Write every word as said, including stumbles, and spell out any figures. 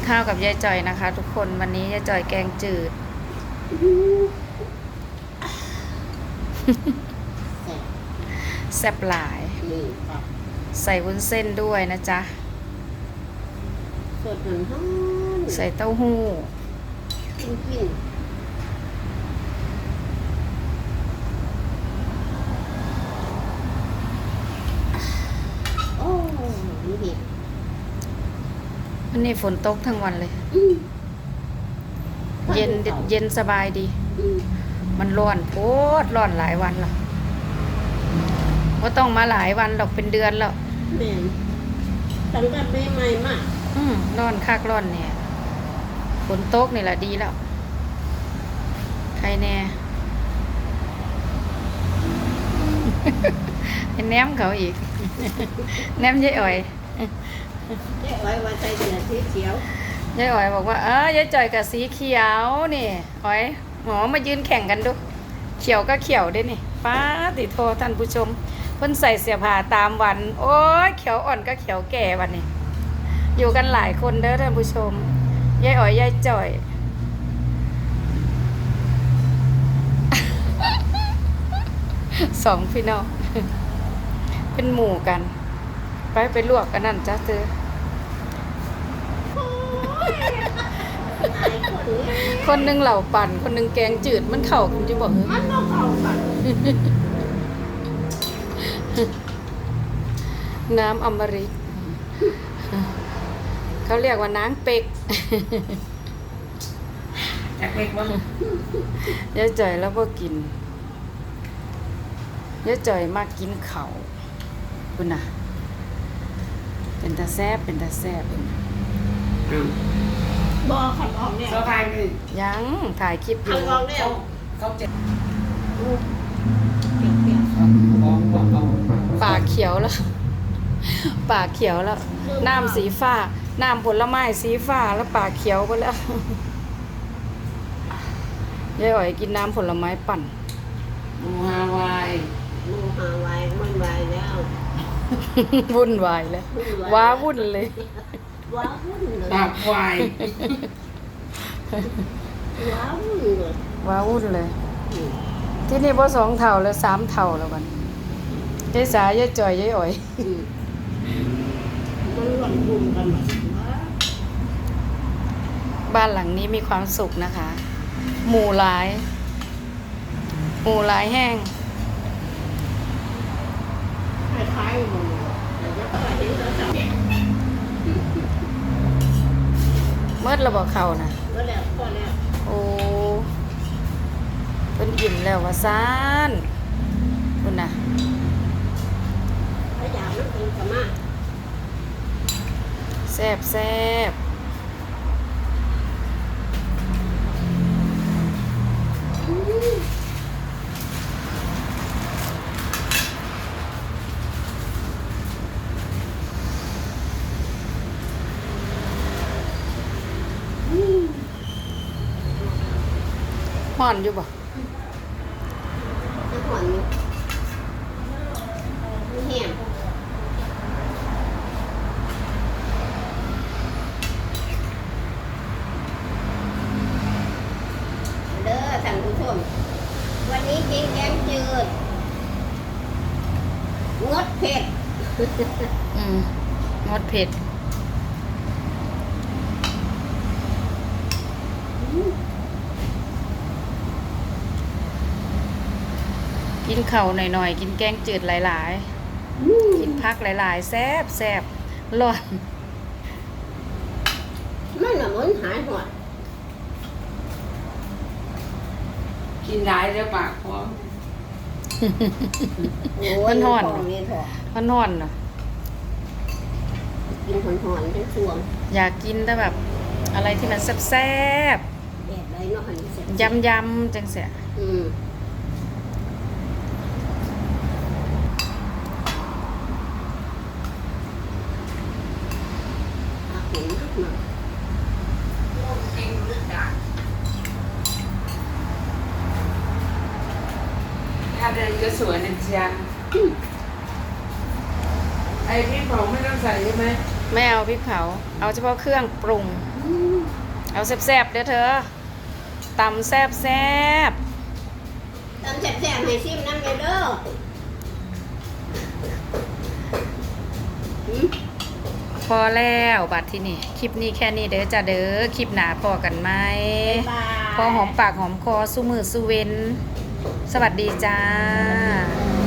ข้าวกับยายจ่อยนะคะทุกคนวันนี้ยายจ่อยแกงจืดแซ่บหลายใส่วุ้นเส้นด้วยนะจ๊ะสดหนึ่งห้องใส่เต้าหู้กินกินโอ้นี่ดิวันนี้ฝนตกทั้งวันเลยเย็นเย็นสบายดีมันร้อนโพดร้อนหลายวันแล้วว่าต้องมาหลายวันหรอกเป็นเดือนแล้วแม่ตั้งแต่ใหม่ๆมาอืมร้อนคักร้อนเนี่ยฝนตกนี่แหละดีแล้วใครแน่แนมเขาอีกแนมยายอ่อยยายอ่อยว่าใจเดือดสีเขียวยายอ่อยบอกว่าเออยายจ่อยกับสีเขียวนี่อ่อยหมอมายืนแข่งกันดูเขียวก็เขียวด้วยนี่ป้าติโทท่านผู้ชมเพิ่นใส่เสื้อผ้าตามวันโอ้ยเขียวอ่อนก็เขียวแก่วันนี้อยู่กันหลายคนเด้อท่านผู้ชมยายอ่อยยายจ่อยสองพี่น้องเป็นหมู่กันไปไปลวกกันนั่นจ้าเธอคนหนึ่งเหล่าปั่นคนหนึ่งแกงจืดมันเข่ากันจะบอกมันต้องเข้ากันน้ำอมฤตเขาเรียกว่าน้ำเป็กอยากเป็กบ้างยายจ่อยแล้วก็กินยายจ่อยมากกินเข่าคุณน่ะเป็นตาแซ่บเป็นตาแซ่บบอขันออกเนี่ยสบายเลยยังถ่ายคลิปอยู่ขันออกเนี่ยเขาเจ็บปากเขียวแล้วปากเขียวแล้วน้ำสีฟ้าน้ำผลไม้สีฟ้าแล้วปากเขียวไปแล้วยายอ๋อยกินน้ำผลไม้ปั่นมูฮาวายมูฮาวายมันวายแล้ววุ่นวายแล้วว้าวุ่นเลยว้าวุ่นเลยปากควายว้าวุ่นเลยว้าวุ่นเลยที่นี่พอสองเท่าแล้วสามเท่าแล้วกันยายสายยายจ่อยยายอ๋อยมันหล่นบุ่มกันหมดบ้านหลังนี้มีความสุขนะคะหมู่หลายหมู่หลายแห้งคล้ายๆหมูแต่ยังไม่เห็นแล้วจ้ะเมื่อเราบอกเขานะก็แล้วก็แล้วโอ้เป็นอิ่มแล้วว่าซ่านคุณน่ะถ้าอยากมันเป็นกระมาแซ่บแซ่บห่อนอยู่บ่น้ำหวานนี่มีแห้งเด้อท่านผู้ชมวันนี้กินแกงจืดงดเผ็ดอืมงดเผ็ดกินเข่าหน่อยๆกินแกงจืดหลายๆกินพักหลายๆแซ่บแซ่บร้อนมันน่ะมันหายหอดกินได้แล้วปากพร้อมมันห่อนมันห่อนเนาะกินหอนๆเป็นช่วงอยากกินแต่แบบอะไรที่มันแซ่บๆแบบไรเนาะยำยำจังเสียอืมถ้าเดินก็สวยนะจ๊ะไอ้พี่เผาไม่ต้องใส่ใช่ไหมไม่เอาพริกเผาเอาเฉพาะเครื่องปรุงอืมเอาแซ่บๆเด้อเธอตำแซ่บแซ่บตำแซ่บๆให้ชิมน้ำเลยเด้อหืมพอแล้วบัดที่นี่คลิปนี้แค่นี้เด้อจ้าเด้อคลิปหนาพอกันไหมบ๊ายบายพอหอมปากหอมคอสู้มือสู้เว้น สวัสดีจ้าบ